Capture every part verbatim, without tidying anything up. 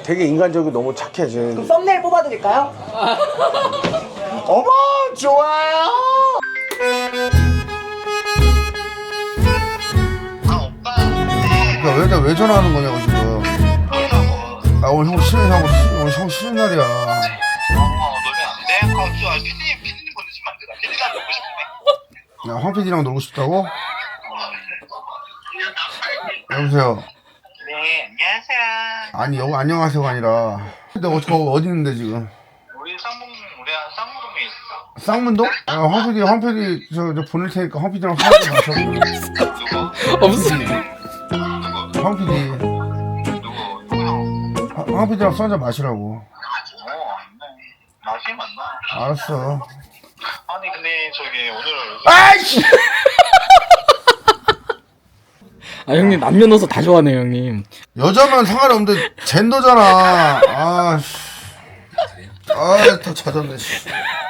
되게 인간적이고 너무 착해 쟤. 그럼 썸네일 뽑아드릴까요? 어머 좋아요. 야, 왜, 나 왜 전화하는 거냐고 지금. 아 오늘 형 쉬는 형 오늘 형 쉬는 날이야. 어, 너네 안 돼? 그럼 저 피디님, 피디님 보내주시면 안 되나? 피디랑 놀고 싶네. 야, 황 피디랑 놀고 싶다고? 여보세요. 네, 안녕하세요. 아니 여기 안녕하세요가 아니라. 근데 어디 거기 어디 있는데 지금? 우리 쌍문, 우리 쌍문동에 있어. 쌍문동? 아, 황 피디 황 피디 저, 저 보낼 테니까 황 피디랑 술 한잔 마셔. 누구? 없어. 누구? 황 피디. 누구? 누구 형? 황, 황 피디랑 술 한잔 마시라고. 어, 안 돼. 나중에 만나. 알았어. 아니, 근데 저기 오늘. 아이씨. 아 형님 남녀노소 다 좋아하네요 형님. 여자면 상관없는데 젠더잖아. 아, 씨. 아, 더 잦았네. 씨.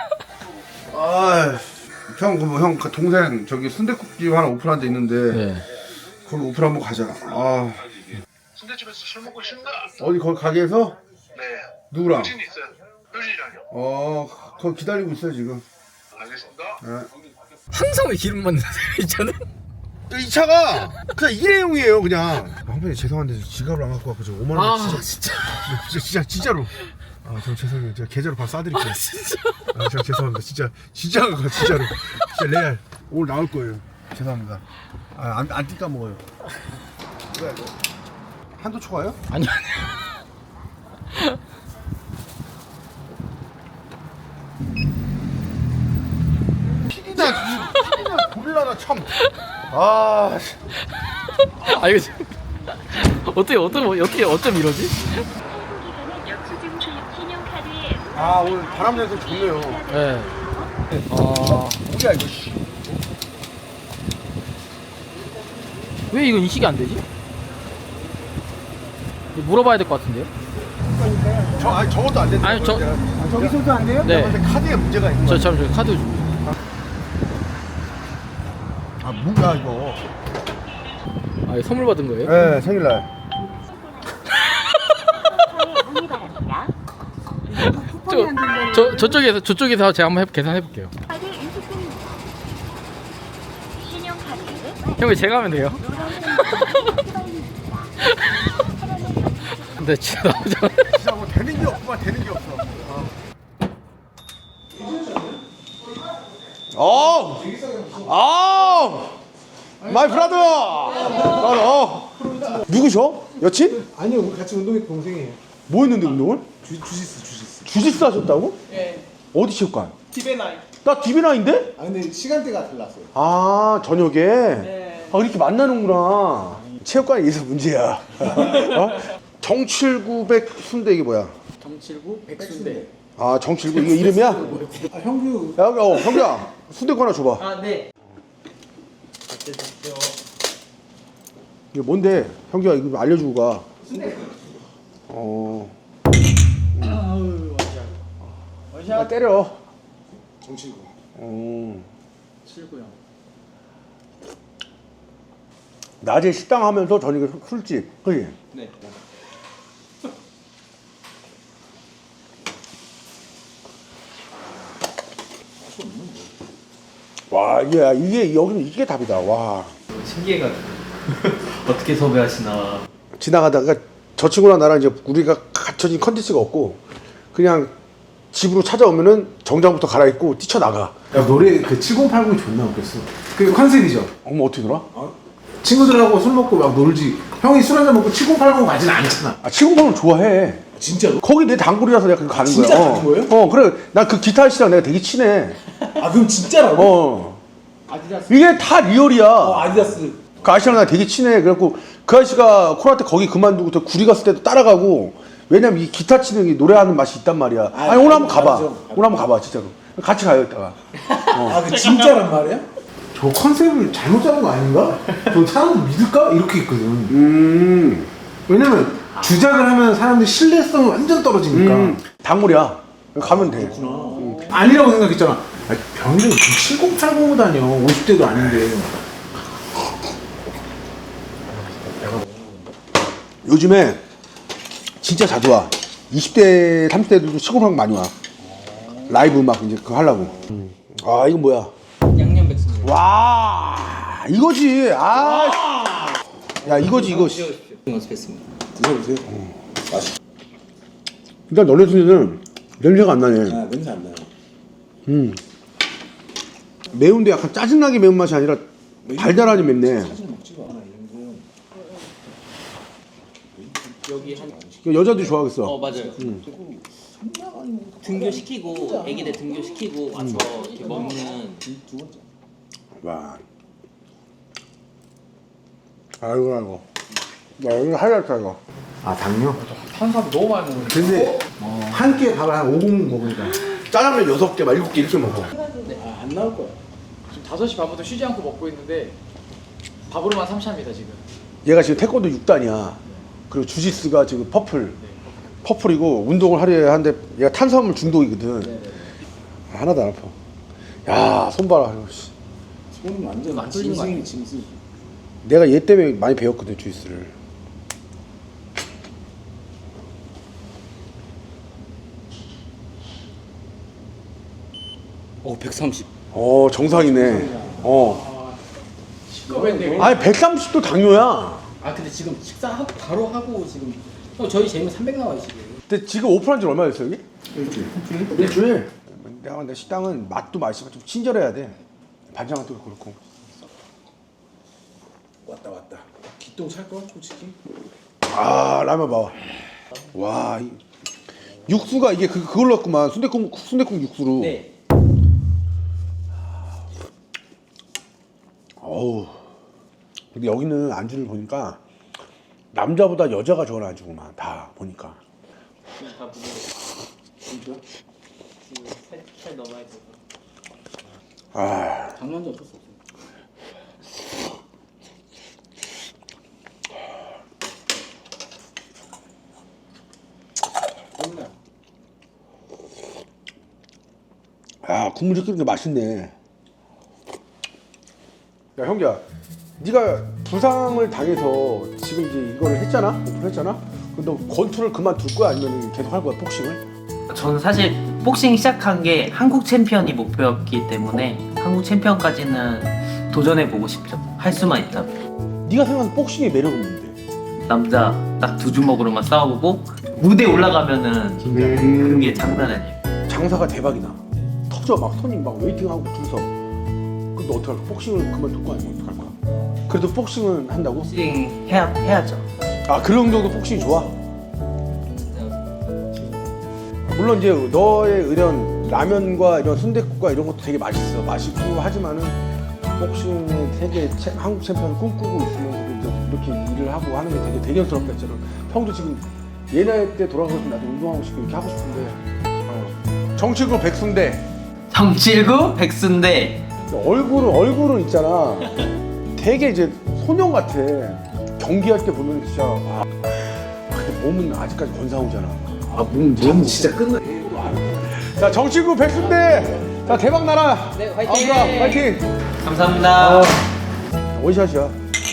아, 형, 그 뭐, 형, 그 동생 저기 순댓국집 하나 오픈한 데 있는데 네. 거기 오픈 한번 가자. 아, 순대집에서 술 먹고 싶나? 어디 거기 가게에서 네. 누구랑? 효진 있어요. 효진이랑요. 어, 거기 기다리고 있어요 지금. 알겠습니다. 네. 항상 왜 기름 맞는 저는? 이 차가 그냥 일회용이에요 그냥. 황편이 죄송한데 지갑을 안 갖고 왔고 저 오만 원 아 진짜, 진짜. 진짜 진짜 진짜로. 아, 저 죄송해요. 제가 계좌로 바로 쏴드릴게요. 아 진짜. 아, 제가 죄송합니다. 진짜 진짜 진짜로 진짜 레알 오늘 나올 거예요. 죄송합니다. 아, 안, 안 뛸까 먹어요. 뭐야 이거? 한도 초과요? 아니 아니. 피디나 피디나 고릴라나 참. 아, 씨. 아 이거 지금 어떻게 어떻게 어떻게 어쩜 이러지? 영수증 출력 신용카드에 아 오늘 바람 내서 좋네요. 네. 아. 뭐야 이거? 씨. 왜 이건 인식이 안 되지? 이거 물어봐야 될 것 같은데요? 저 아니 저것도 안 된다. 아니, 저- 아, 저기서도 안 돼요? 네. 근데 카드에 문제가 있는 거야. 저참 저 카드 좀. 아 뭐야 이거? 아 이거 선물 받은 거예요? 네 생일날. 문의 바랍니다. 저, 저 저쪽에서 저쪽에서 제가 한번 해, 계산해 볼게요. 카드 인식됩니다. 신용카드 형이 제가 하면 돼요? 근데 진짜 나오잖아. 진짜 뭐 되는 게 없구만 되는 게 없어. 어. 어. 마이 브라더. 브라더. 누구셔? 여친? 아니요, 우리 같이 운동했던 동생이에요. 뭐 했는데 운동을? 주, 주짓수, 주짓수. 주짓수 하셨다고? 네. 어디 체육관? 티베나이. 나 디비나인데? 아, 근데 시간대가 달랐어요. 아 저녁에. 네. 아 이렇게 만나는구나. 체육관에 의해서 문제야. 어? 정칠구백 순대 이게 뭐야? 정칠구 백순대. 아 정칠구 이거 이름이야? 아, 형규. 야, 어, 형규야 순대 하나 줘봐. 아, 네. 이게 뭔데? 형규야 이거 좀 알려주고 가. 어. 아우, 원샷. 야 원샷. 때려. 정치고. 어. 칠구요. 낮에 식당 하면서 저녁에 술- 술집. 그지? 네. 와 이게 이게 여기는 이게 답이다. 와. 신기해가지고 어떻게 섭외하시나. 지나가다가 저 친구랑 나랑 이제 우리가 갖춰진 컨텐츠가 없고 그냥 집으로 찾아오면은 정장부터 갈아입고 뛰쳐나가. 야, 노래 그 칠공팔공이 존나 웃겼어. 그 컨셉이죠. 어머 어떻게 놀아? 친구들하고 술 먹고 막 놀지. 형이 술 한잔 먹고 칠공팔공 가진 않잖아. 아 치공방을 좋아해. 진짜로? 거기 내 단골이라서 내가 거기 가는 진짜 거야. 가는 거예요? 어 그래 난 그 기타 씨랑 내가 되게 친해. 아, 그럼 진짜라고? 어 아디다스. 이게 다 리얼이야. 어, 아디다스. 그 아저씨랑 나 되게 친해. 그래갖고 그 아저씨가 코로나 때 거기 그만두고 또 구리 갔을 때도 따라가고. 왜냐면 이 기타 치는 게 노래하는 맛이 있단 말이야. 아, 아니 오늘 한번 가봐. 알죠. 오늘 한번 가봐 진짜로. 같이 가요 이따가. 아, 그 진짜란 말이야? 저 컨셉을 잘못 잡은 거 아닌가? 저 사람들 믿을까? 이렇게 있거든. 음. 왜냐면 주작을 하면 사람들 신뢰성이 완전 떨어지니까. 음. 단골이야. 가면 돼. 음. 아니라고 생각했잖아. 아, 병이 칠공팔공으로 다녀. 오십 대도 아닌데. 요즘에 진짜 자주 와. 이십 대, 삼십 대들도 시골 많이 와. 라이브 막 이제 그거 하려고. 음. 아, 이건 뭐야? 양념 백숙. 와, 이거지. 아, 야, 이거지, 이거지. 연습했습니다. 드셔보세요. 어. 맛있. 일단 너네 순이는 냄새가 안 나네. 아, 냄새 안 나요. 음. 매운데 약간 짜증나게 매운 맛이 아니라 달달하니 맵네. 사진 먹지가 않아 이런 거. 여기 한. 이거 여자들이 좋아하겠어. 어 맞아요. 음. 등교 시키고 애기들 등교 시키고 와서 이렇게 먹는. 두 번째. 와. 아이고, 아이고. 야, 여기 하이라이트야, 이거. 아, 당뇨? 탄수화물 너무 많이 먹는데. 근데 한 끼에 밥을 한 오 공 먹으니까 짜장면 여섯 개, 막 일곱 개 이렇게 먹어. 아, 안 나올 거야. 지금 다섯 시 반부터 쉬지 않고 먹고 있는데 밥으로만 삼차입니다 지금. 얘가 지금 태권도 육 단이야. 그리고 주짓수가 지금 퍼플. 퍼플이고 운동을 하려 하는데 얘가 탄수화물 중독이거든. 하나도 안 아파. 야, 손 봐라. 아이고, 씨. 손은 완전 안 뚫리는 거 아니야? 짐승이 짐승. 내가 얘 때문에 많이 배웠거든, 주짓수를. 어 백삼십. 어, 정상이네. 어. 시끄럽네. 아니, 백삼십도 당뇨야. 아 근데 지금 식사하고 바로 하고 지금. 어 저희 재미 삼백 나와요 지금. 근데 지금 오픈한 지 얼마 됐어, 여기? 일주일. 일주일. 내가 근데 식당은 맛도 맛있지만 좀 친절해야 돼. 반찬도 그렇고. 왔다 왔다. 기똥 찰 거야 솔직히. 아, 라면 봐. 와, 이 육수가 이게 그 그걸로 했구만. 순댓국 순댓국 육수로. 네. 어우. 근데 여기는 안주를 보니까 남자보다 여자가 좋아하는 안주구만. 다 보니까. 다 무거워. 진짜? 지금 살 넘어야 돼. 아, 장난도 어쩔 수 없어. 아, 국물이 끓이니까 맛있네. 야, 형기야, 네가 부상을 당해서 지금 이제 이거를 했잖아, 오픈했잖아. 근데 너 권투를 그만둘 거야, 아니면 계속 할 거야, 복싱을? 저는 사실 복싱 시작한 게 한국 챔피언이 목표였기 때문에 한국 챔피언까지는 도전해보고 싶죠. 할 수만 있다면. 네가 생각하는 복싱의 매력은 뭔데? 남자 딱 두 주먹으로만 싸우고 무대 올라가면은 그게 장난 아니에요. 장사가 대박이나. 터져, 막 손님 막 웨이팅하고 줄 서. 근데 어떡할 거야? 복싱을 그만둘 거 아니면 어떡할 거야? 그래도 복싱은 한다고? 복싱 해야, 해야죠. 아, 그런 정도 복싱이 좋아? 물론 이제 너의 이런 라면과 이런 순댓국과 이런 것도 되게 맛있어, 맛있고 하지만은 복싱의 세계 체, 한국 챔피언을 꿈꾸고 있으면서도 이제 이렇게 일을 하고 하는 게 되게 대견스럽다 진짜로. 형도 지금 얘 나이 때 돌아가서 나도 운동하고 싶고 이렇게 하고 싶은데. 어. 정치구 백순대. 정칠구 백순대. 얼굴은 얼굴은 있잖아. 되게 이제 소년 같아. 경기할 때 보면 진짜. 아, 근데 몸은 아직까지 건사오잖아. 아, 몸 몸 진짜 끝나. 자, 정치구 백순대. 자, 대박 나라. 네, 화이팅! 아우가 화이팅. 감사합니다. 어, 원샷이야.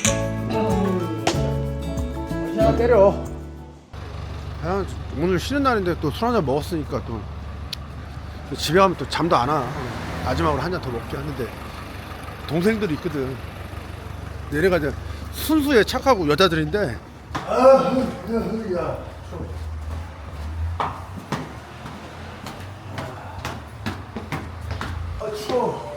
원샷 때려. 아, 오늘 쉬는 날인데 또 술 한잔 먹었으니까 또 집에 가면 또 잠도 안 와. 마지막으로 한 잔 더 먹게 하는데 동생들이 있거든. 얘네가 이제 순수해 착하고 여자들인데. 아, 야. 아, 추워.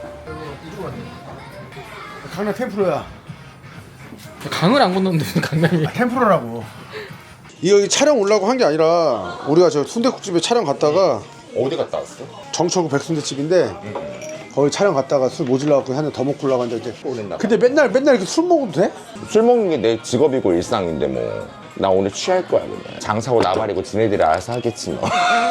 강남 텐프로야. 강을 안 건너는데 무슨 강남이야? 텐프로라고. 이거 여기 촬영 오려고 한 게 아니라 우리가 저 순댓국집에 촬영 갔다가 어디 갔다 왔어? 정철구 백순대집인데 거기 촬영 갔다가 술 모질라갖고 한 잔 더 먹고 올라고 하는데 이제 오랬나 봐. 근데 맨날 맨날 이렇게 술 먹어도 돼? 술 먹는 게 내 직업이고 일상인데 뭐. 나 오늘 취할 거야 그냥. 장사고 나발이고 지네들이 알아서 하겠지 뭐.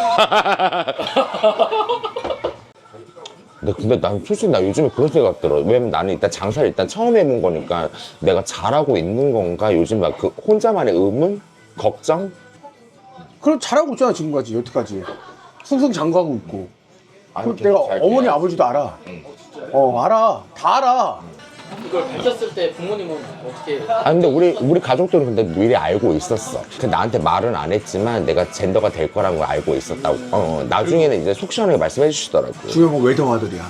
근데, 근데 난 솔직히 나 요즘에 그런 생각 들어. 왜냐면 나는 일단 장사를 일단 처음 해본 거니까 내가 잘하고 있는 건가 요즘 막 그 혼자만의 의문? 걱정? 그럼 잘하고 있잖아 지금까지 여태까지 승승장구하고 있고. 아니, 그리고 내가 잘 어머니 돼야지. 아버지도 알아. 어, 알아. 다 알아. 이걸 밝혔을 때 부모님은 어떻게? 아 근데 우리 우리 가족들은 근데 미리 알고 있었어. 근데 나한테 말은 안 했지만 내가 젠더가 될 거라는 걸 알고 있었다고. 어, 나중에는 이제 속 시원하게 말씀해 주시더라고. 중요한 건 외동 아들이야.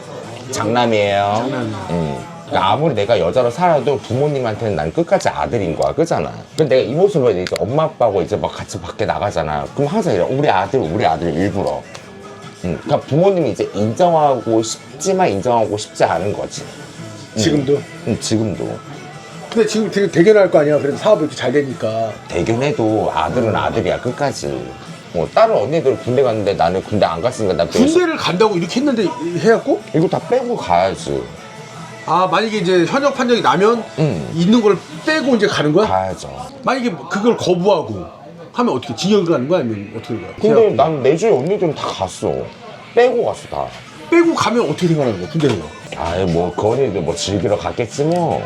장남이에요. 장남이야. 응. 그러니까 아무리 내가 여자로 살아도 부모님한테는 난 끝까지 아들인 거야, 그잖아. 근데 내가 이 모습으로 이제 엄마 아빠하고 이제 막 같이 밖에 나가잖아. 그럼 항상 이래, 우리 아들, 우리 아들 일부러. 응. 그러니까 부모님이 이제 인정하고 싶지만 인정하고 싶지 않은 거지. 지금도? 응, 지금도. 근데 지금 되게 대견할 거 아니야. 그래도 사업이 이렇게 잘 되니까. 대견해도 아들은 아들이야, 끝까지. 어, 다른 언니들 군대 갔는데 나는 군대 안 갔으니까 나 군대를 간다고 이렇게 했는데 해갖고? 이거 다 빼고 가야지. 아 만약에 이제 현역 판정이 나면 응. 있는 걸 빼고 이제 가는 거야? 가야죠. 만약에 그걸 거부하고 하면 어떻게 징역을 가는 거야? 아니면 어떻게 되는 거야? 근데 그냥 난 내 주위 언니들은 다 갔어. 빼고 갔어, 다. 빼고 가면 어떻게 생각하는 거야? 군대는 거? 아이, 뭐, 그 언니들 뭐 즐기러 갔겠지, 뭐.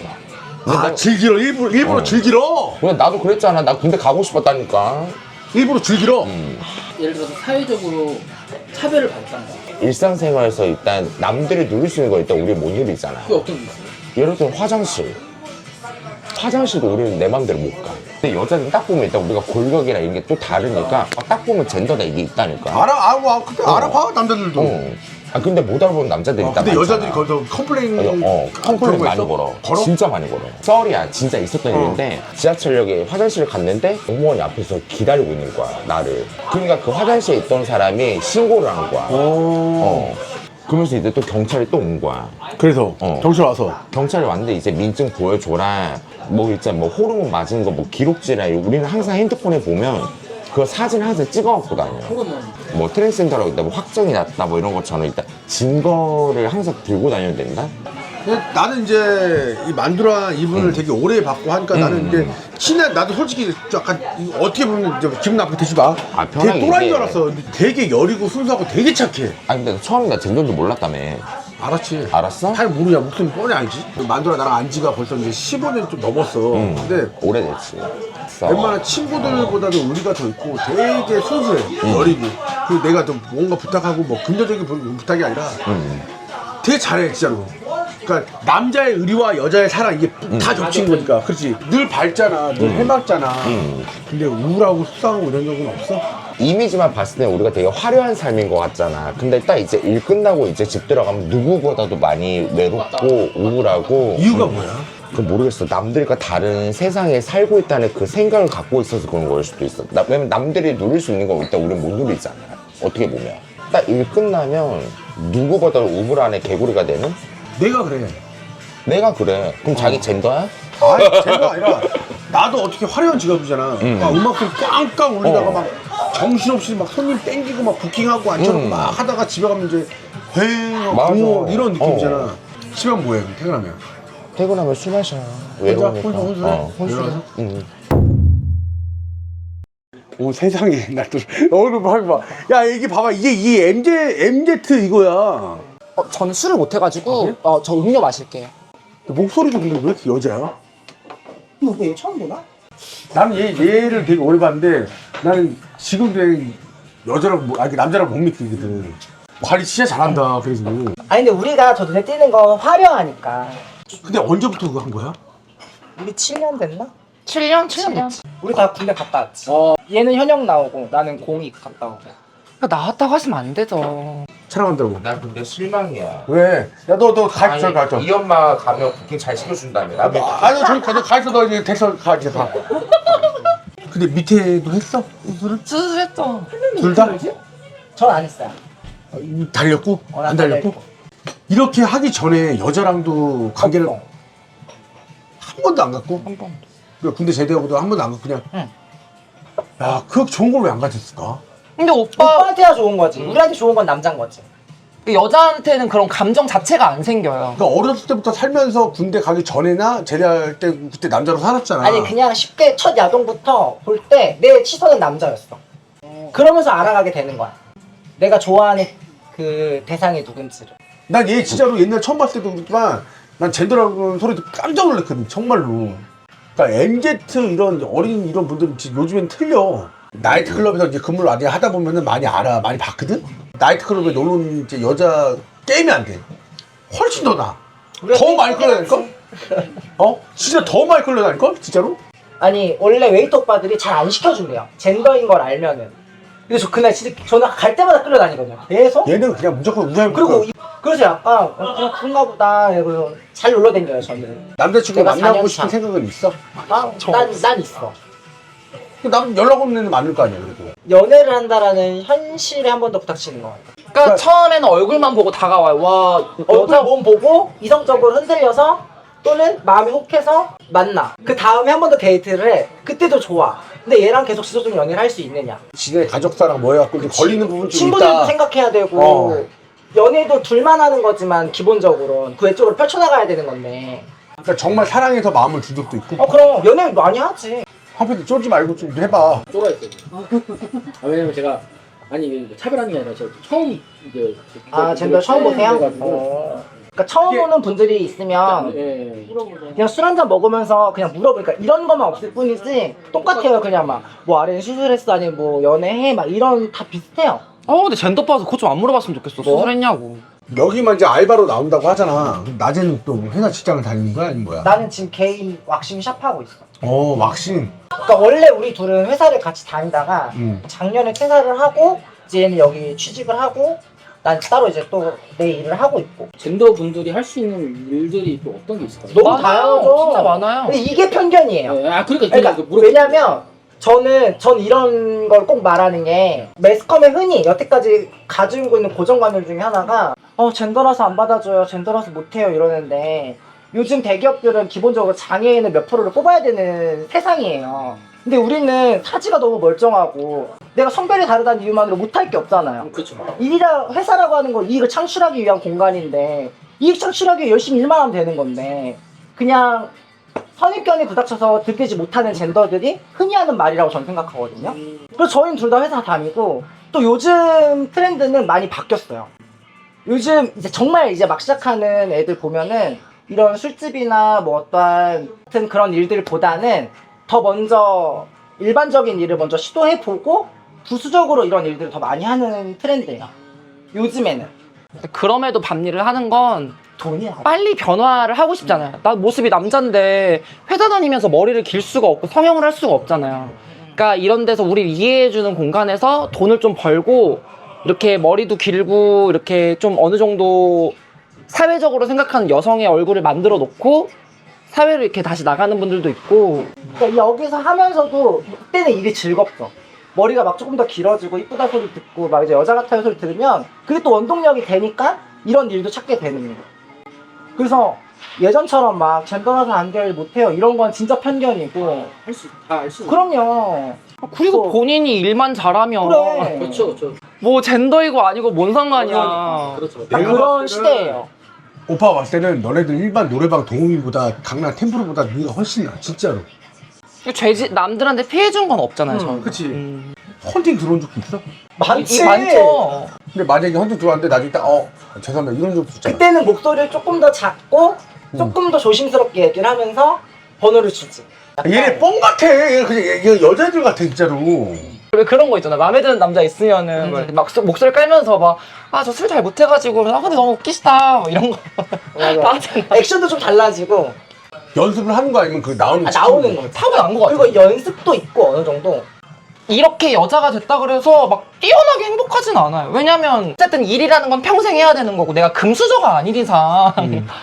아 즐기러 일부러 일부러 어. 즐기러 그냥 나도 그랬잖아. 나 군대 가고 싶었다니까. 일부러 즐기러. 예를 들어서 사회적으로 차별을 받던가. 일상생활에서 일단 남들이 누릴 수 있는 거 일단 우리 못 누리잖아. 그게 어떤 게 있어요? 예를 들어 화장실. 화장실도 우리는 내 맘대로 못 가. 근데 여자는 딱 보면 일단 우리가 골격이나 이런 게 또 다르니까 아, 딱 보면 젠더다 이게 있다니까. 알아 아, 아 근데 어. 알아봐 남자들도. 어. 아 근데 못 알아보는 남자들이 어, 있단 근데 말이잖아. 여자들이 거기서 컴플레인 어, 어, 그런 컴플레인 거 많이 있어? 걸어. 걸어? 진짜 많이 걸어. 썰이야. 진짜 있었던 어. 일인데 지하철역에 화장실을 갔는데 공무원이 앞에서 기다리고 있는 거야, 나를. 그러니까 그 화장실에 있던 사람이 신고를 한 거야. 어. 그러면서 이제 또 경찰이 또 온 거야. 그래서 어. 경찰 와서 경찰이 왔는데 이제 민증 보여줘라. 뭐 있잖아, 뭐 호르몬 맞은 거 뭐 기록지라. 우리는 항상 핸드폰에 보면 그 사진 항상 찍어갖고 다녀. 호르몬. 뭐 트랜스젠더라고 있다, 뭐 확정이 났다, 뭐 이런 것처럼 일단 증거를 항상 들고 다녀야 된다. 근데 나는 이제 이 만두라 이분을 되게 오래 봤고 하니까 나는 이제 친한 나도 솔직히 약간 어떻게 보면 이제 기분 나쁘게 되지 마. 아, 편하게 되게 또라이인 얘기해. 줄 알았어. 근데 되게 여리고 순수하고 되게 착해. 아니 근데 처음에 나 젠더인지 몰랐다며. 알았지. 알았어? 잘 모르냐. 목소리 뻔히 알지. 만두라 나랑 안지가 벌써 이제 십오 년 좀 넘었어. 응. 근데 오래됐지. 웬만한 친구들보다도 우리가 더 있고 되게 순수해. 여리고. 그리고 내가 좀 뭔가 부탁하고 뭐 금전적인 부- 부탁이 아니라 되게 잘해 진짜로. 그러니까 남자의 의리와 여자의 사랑 이게 다 겹친 거니까. 그렇지. 늘 밝잖아. 늘 해맑잖아. 근데 우울하고 속상하고 이런 적은 없어? 이미지만 봤을 때 우리가 되게 화려한 삶인 것 같잖아. 근데 딱 이제 일 끝나고 이제 집 들어가면 누구보다도 많이 외롭고 우울하고. 이유가 음, 뭐야? 그 모르겠어. 남들과 다른 세상에 살고 있다는 그 생각을 갖고 있어서 그런 걸 수도 있어. 나, 왜냐면 남들이 누릴 수 있는 거 일단 우리는 못 누리잖아. 어떻게 보면. 딱 일 끝나면 누구보다도 우물안에 개구리가 되는? 내가 그래. 내가 그래. 그럼 자기 젠더야? 아니 제가 아니라 나도 어떻게 화려한 직업이잖아. 음. 막 음악들 꽝꽝 울리다가 어. 막 정신없이 막 손님 땡기고 막 부킹하고 앉혀놓고 음. 막 하다가 집에 가면 이제 휑 맞아. 붕어 이런 느낌이잖아. 어. 집에 가면 뭐해 그럼 퇴근하면? 퇴근하면 술 마셔. 외로우니까. 혼자 혼술해? 어, 혼술해. 외로워서? 응. 오 세상에 나 또 얼굴 봐. 야 이게 봐봐 이게 이 엠제 엠제트 이거야. 어, 저는 술을 못 해가지고 어, 저 음료 마실게요. 목소리도 근데 왜 이렇게 여자야? 너왜 처음 보나? 나는 얘 얘를 되게 오래 봤는데 나는 지금도 여자라고 뭐, 아니 남자라고 못 믿거든. 관리 진짜 잘한다 그래서. 아니 근데 우리가 저 눈에 띄는 건 화려하니까. 근데 언제부터 그거 한 거야? 우리 칠 년 됐나? 칠 년? 칠 년? 우리 다 군대 갔다 왔지. 얘는 현역 나오고 나는 공익 갔다 오고. 나왔다고 하시면 안 되죠. 촬영한다고. 나 근데 실망이야. 왜? 야 너 너 가있어 가있어. 이 엄마 가면 부킹 잘 시켜준다며. 나 왜- 아니 저기 가서 가있어 너 이제 됐어 가 이제 가. 근데 밑에도 했어? 수술을? 수술했죠. 둘 다? 전 안 했어요. 달렸고? 어, 안 난 달렸고? 달렸고. 이렇게 하기 전에 여자랑도 관계를 없어. 한 번도 안 갖고? 한 번. 그러니까 군대 제대하고도 한 번도 안 갖고 그냥. 응. 야, 그 좋은 걸 왜 안 가졌을까? 근데 오빠 오빠한테야 좋은 거지. 우리한테 좋은 건 남자인 거지. 여자한테는 그런 감정 자체가 안 생겨요. 그러니까 어렸을 때부터 살면서 군대 가기 전에나 제대할 때 그때 남자로 살았잖아. 아니 그냥 쉽게 첫 야동부터 볼 때 내 시선은 남자였어. 그러면서 알아가게 되는 거야. 내가 좋아하는 그 대상이 누군지를. 난 얘 진짜로 옛날 처음 봤을 때도 그렇지만 난 젠더라는 소리 듣고 깜짝 놀랐거든 정말로. 그러니까 엠제트 이런 어린 이런 분들은 지금 요즘엔 틀려. 나이트클럽에서 이제 근무를 많이 하다 보면은 많이 알아, 많이 봤거든. 나이트클럽에 놀러 온 이제 여자 게임이 안 돼. 훨씬 더 나. 더 많이 끌려다닐걸? 어? 진짜 더 많이 끌려다닐걸? 진짜로? 아니 원래 웨이터 오빠들이 잘 안 시켜준대요. 젠더인 걸 알면은. 근데 저 그날 진짜 저는 갈 때마다 끌려다니거든요. 계속. 얘는 그냥 무조건 우사히 그리고 이- 그래서 약간 어, 그냥 그런가 보다. 그래서 잘 놀러 댕겨요 저는. 남자친구 내가 만나고 사 년 싶은 차. 생각은 있어? 난, 난, 난 있어. 남 연락 없는 애는 많을 거 아니야 그래도. 연애를 한다라는 현실에 한 번 더 부닥치는 것 같아요. 그러니까 처음에는 얼굴만 보고 다가와요. 와 얼굴 여자 몸 보고 이성적으로 흔들려서 또는 마음이 혹해서 만나. 그 다음에 한 번 더 데이트를 해. 그때도 좋아. 근데 얘랑 계속 지속적인 연애를 할 수 있느냐. 지네 가족사랑 뭐 해갖고 이제 걸리는 부분 좀 친구들도 있다. 생각해야 되고 어. 연애도 둘만 하는 거지만 기본적으로 그 외적으로 펼쳐나가야 되는 건데. 그러니까 정말 사랑해서 마음을 준 적도 있고. 어 그럼 연애 많이 하지. 한편도 쫄지 말고 좀 해봐. 쫄아있어요. 아, 왜냐면 제가 아니 차별하는 게 아니라 제가 처음 이제 아 젠더 처음 보세요? 그래가지고 어. 그러니까 처음 오는 분들이 있으면 예. 그냥 술 한잔 먹으면서 그냥 물어보니까 이런 것만 없을 뿐이지 똑같아요. 그냥 막 뭐 아래는 수술했어 아니면 뭐 연애해 막 이런 다 비슷해요. 어 근데 젠더 빠서 그거 좀 안 물어봤으면 좋겠어. 뭐? 수술했냐고. 여기만 이제 알바로 나온다고 하잖아. 그럼 낮에는 또 회사 직장을 다니는 거야 아니면 뭐야? 나는 지금 개인 왁싱 샵 하고 있어. 어 왁싱. 그러니까 원래 우리 둘은 회사를 같이 다니다가 음. 작년에 퇴사를 하고 이제 얘는 여기 취직을 하고 난 따로 이제 또 내 일을 하고 있고. 젠더 분들이 할 수 있는 일들이 또 어떤 게 있을까요? 너무 많아요. 다양하죠. 진짜 많아요. 근데 이게 편견이에요. 예, 아 그러니까, 그러니까 그 물어보- 왜냐면 저는 전 이런 걸 꼭 말하는 게 매스컴에 흔히 여태까지 가지고 있는 고정관념 중에 하나가 어 젠더라서 안 받아줘요, 젠더라서 못해요 이러는데 요즘 대기업들은 기본적으로 장애인을 몇 프로를 뽑아야 되는 세상이에요. 근데 우리는 사지가 너무 멀쩡하고 내가 성별이 다르다는 이유만으로 못할 게 없잖아요. 그렇죠. 일이라 회사라고 하는 건 이익을 창출하기 위한 공간인데 이익 창출하기 위해 열심히 일만 하면 되는 건데 그냥 선입견이 부닥쳐서 들키지 못하는 젠더들이 흔히 하는 말이라고 저는 생각하거든요. 그래서 저희는 둘 다 회사 다니고 또 요즘 트렌드는 많이 바뀌었어요. 요즘 이제 정말 이제 막 시작하는 애들 보면은 이런 술집이나 뭐 어떠한 같은 그런 일들보다는 더 먼저 일반적인 일을 먼저 시도해보고 부수적으로 이런 일들을 더 많이 하는 트렌드예요. 요즘에는. 그럼에도 밤일을 하는 건 돈이야. 빨리 변화를 하고 싶잖아요. 나 모습이 남잔데 회사 다니면서 머리를 길 수가 없고 성형을 할 수가 없잖아요. 그러니까 이런 데서 우리를 이해해주는 공간에서 돈을 좀 벌고 이렇게 머리도 길고 이렇게 좀 어느 정도 사회적으로 생각하는 여성의 얼굴을 만들어 놓고 사회를 이렇게 다시 나가는 분들도 있고. 그러니까 여기서 하면서도 그때는 일이 즐겁죠. 머리가 막 조금 더 길어지고 이쁘다 소리 듣고 막 이제 여자 같아요 소리 들으면 그게 또 원동력이 되니까 이런 일도 찾게 되는 거예요. 그래서 예전처럼 막 젠더라서 안 될 못해요 이런 건 진짜 편견이고. 할 수 다 알 수. 그럼요. 그리고 또- 본인이 일만 잘하면 그래. 그렇죠, 그렇죠. 뭐 젠더이고 아니고 뭔 상관이야. 그렇죠. 딱 내가 그런 봤을 때는- 시대예요. 오빠가 봤을 때는 너네들 일반 노래방 동호인보다 강남 템프로보다 네가 훨씬 나 진짜로. 죄지 남들한테 피해준 건 없잖아요. 음, 저는. 그치. 음. 헌팅 들어온 적도 있어? 많지. 이 많죠. 근데 만약에 헌팅 들어왔는데 나중에 딱어 죄송합니다 이런 적도 있잖아. 그때는 목소리를 조금 더 작고 조금 더 조심스럽게 얘기를 하면서 번호를 주지. 얘네 뻥 같아. 얘 그냥 얘, 얘 여자애들 같아 진짜로. 왜 그런 거 있잖아. 마음에 드는 남자 있으면은 뭐 이렇게 막 소- 목소리 깔면서 막 아 저 술 잘 못해가지고 아 근데 너무 웃기시다 뭐 이런 거. 맞아. 하잖아. 액션도 좀 달라지고 연습을 하는 거 아니면 그 나오는 아, 거 나오는 거. 타고난 거 같아. 그리고 연습도 있고 어느 정도. 이렇게 여자가 됐다 그래서 막 뛰어나게 행복하진 않아요. 왜냐면 어쨌든 일이라는 건 평생 해야 되는 거고 내가 금수저가 아닌 이상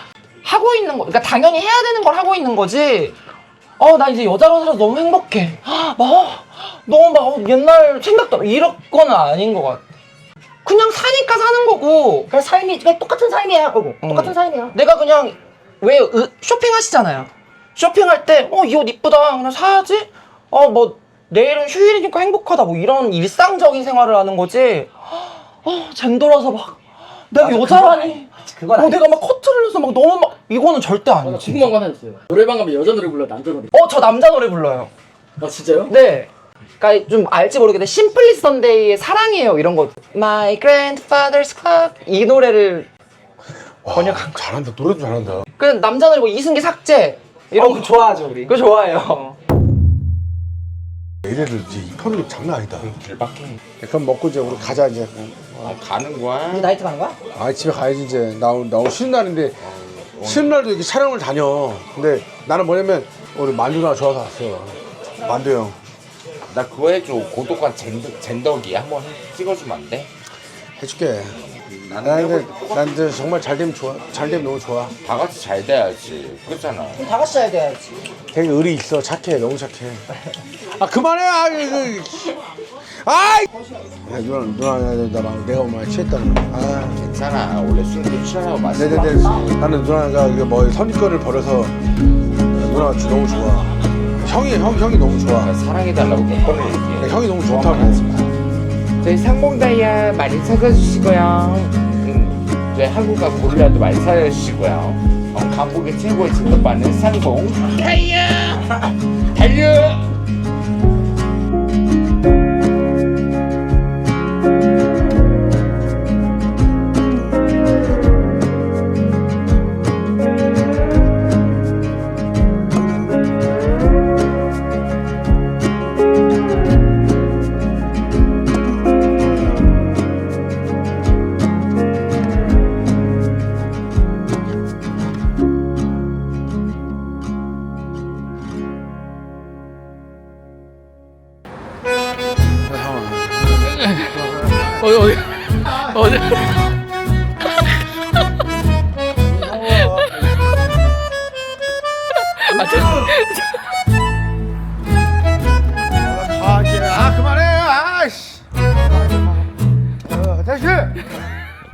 하고 있는 거, 그러니까 당연히 해야 되는 걸 하고 있는 거지. 어 나 이제 여자로 살아서 너무 행복해. 막 어, 너무 막 옛날 생각도 안- 이런 거는 아닌 것 같아. 그냥 사니까 사는 거고. 그냥 삶이 그냥 똑같은 삶이야. 그거 음. 똑같은 삶이야. 내가 그냥 왜 으, 쇼핑하시잖아요. 쇼핑할 때 어 이 옷 이쁘다 그냥 사야지. 어 뭐 내일은 휴일이니까 행복하다 뭐 이런 일상적인 생활을 하는 거지. 어 젠더라서 막 내가 맞아, 여자라니. 그건 어 아니. 내가 막 커트를 해서 막 너무 막 이거는 절대 아, 나 아니지. 궁금한 거 하나 있어요. 노래방 가면 여자 노래 불러, 남자 노래. 어 저 남자 노래 불러요. 아 진짜요? 네. 그러니까 좀 알지 모르겠는데 심플리 선데이의 사랑이에요 이런 거. My grandfather's club 이 노래를 와, 번역한 잘한다. 노래도 잘한다. 그 남자 노래 뭐 이승기 삭제 이런 이런 거 거 좋아하죠 우리. 그거 좋아해요. 얘네들 이제 이 편이 장난 아니다. 길밖에. 그럼 먹고 이제 우리 가자 이제. 아, 가는 거야? 우리 나이트 가는 거야? 아 집에 가야지 이제. 나, 나 오늘 쉬는 날인데 쉬는 날도 이렇게 촬영을 다녀. 근데 나는 뭐냐면 우리 만두가 좋아서 왔어. 만두 형. 나 그거 해줘. 고독한 젠더, 젠더기 한번 찍어주면 안 돼? 해줄게. 나는 근데, 난 근데 정말 잘 되면 좋아. 잘 되면 너무 좋아. 다 같이 잘 돼야지. 그렇잖아. 그럼 다 같이 해야 돼야지. 되게 의리 있어. 착해. 너무 착해. 아 그만해. 아 이거. 아이. 야, 누나 누나 나, 나, 나 내가 오늘 취했다는 거. 아. 괜찮아. 원래 술도 취하라고 마시지. 네네네. 나는 누나가 이게 뭐 선입견을 버려서 누나가 주- 너무 좋아. 형이 형 형이 너무 좋아. 사랑해달라고 몇 번을 얘기해. 형이 너무 좋다고. 저희 상봉다이아 많이 찾아주시고요. 음, 저희 한국과 고릴라도 많이 찾아주시고요. 어, 강북의 최고의 진급받는 상봉 다이아 달려. 어디 어디 어디 아, 저, 아, 이제, 아 그만해. 아이씨. 어, 다시.